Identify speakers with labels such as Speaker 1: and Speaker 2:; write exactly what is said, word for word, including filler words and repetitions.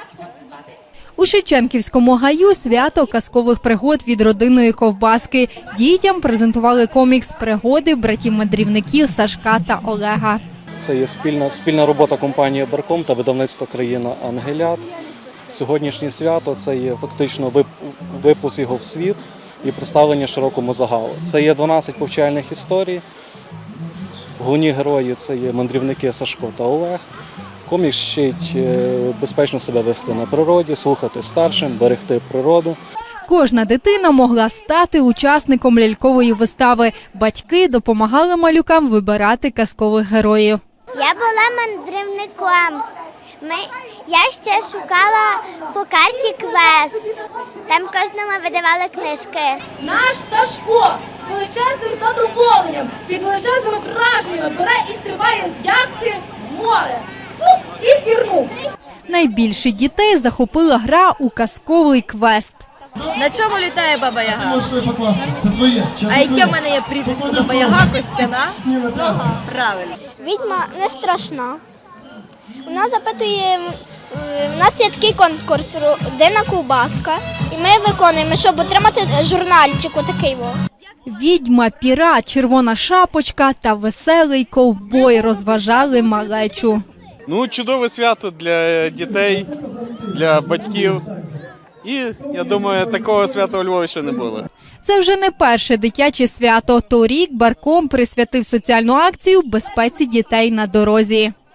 Speaker 1: У Шевченківському гаю свято казкових пригод від родинної ковбаски. Дітям презентували комікс «Пригоди братів-мандрівників» Сашка та Олега.
Speaker 2: Це є спільна, спільна робота компанії «Барком» та видавництва «Країна Ангелят». Сьогоднішнє свято – це є фактично випуск його в світ і представлення широкому загалу. Це є дванадцять повчальних історій. Головні герої – це є мандрівники Сашко та Олег. Комікс вчить безпечно себе вести на природі, слухати старшим, берегти природу.
Speaker 1: Кожна дитина могла стати учасником лялькової вистави. Батьки допомагали малюкам вибирати казкових героїв.
Speaker 3: Я була мандрівником. Ми, я ще шукала по карті квест. Там кожному видавали книжки.
Speaker 4: Наш Сашко з величезним задоволенням, під величезними враженнями бере і стрибає з яхти в море. Фу, і пірнув.
Speaker 1: Найбільше дітей захопила гра у казковий квест.
Speaker 5: На чому літає Баба Яга?
Speaker 6: Це твоє.
Speaker 5: А яке в мене є прізвисько Баба Яга? Костяна? Правильно.
Speaker 3: Відьма не страшна. Вона запитує, у нас є такий конкурс «Родинна ковбаска», і ми виконуємо, щоб отримати журнальчик отакий.
Speaker 1: Відьма, пірат, червона шапочка та веселий ковбой розважали малечу.
Speaker 7: Ну, чудове свято для дітей, для батьків. І, я думаю, такого свята у Львові ще не було.
Speaker 1: Це вже не перше дитяче свято. Торік Барком присвятив соціальну акцію безпеці дітей на дорозі.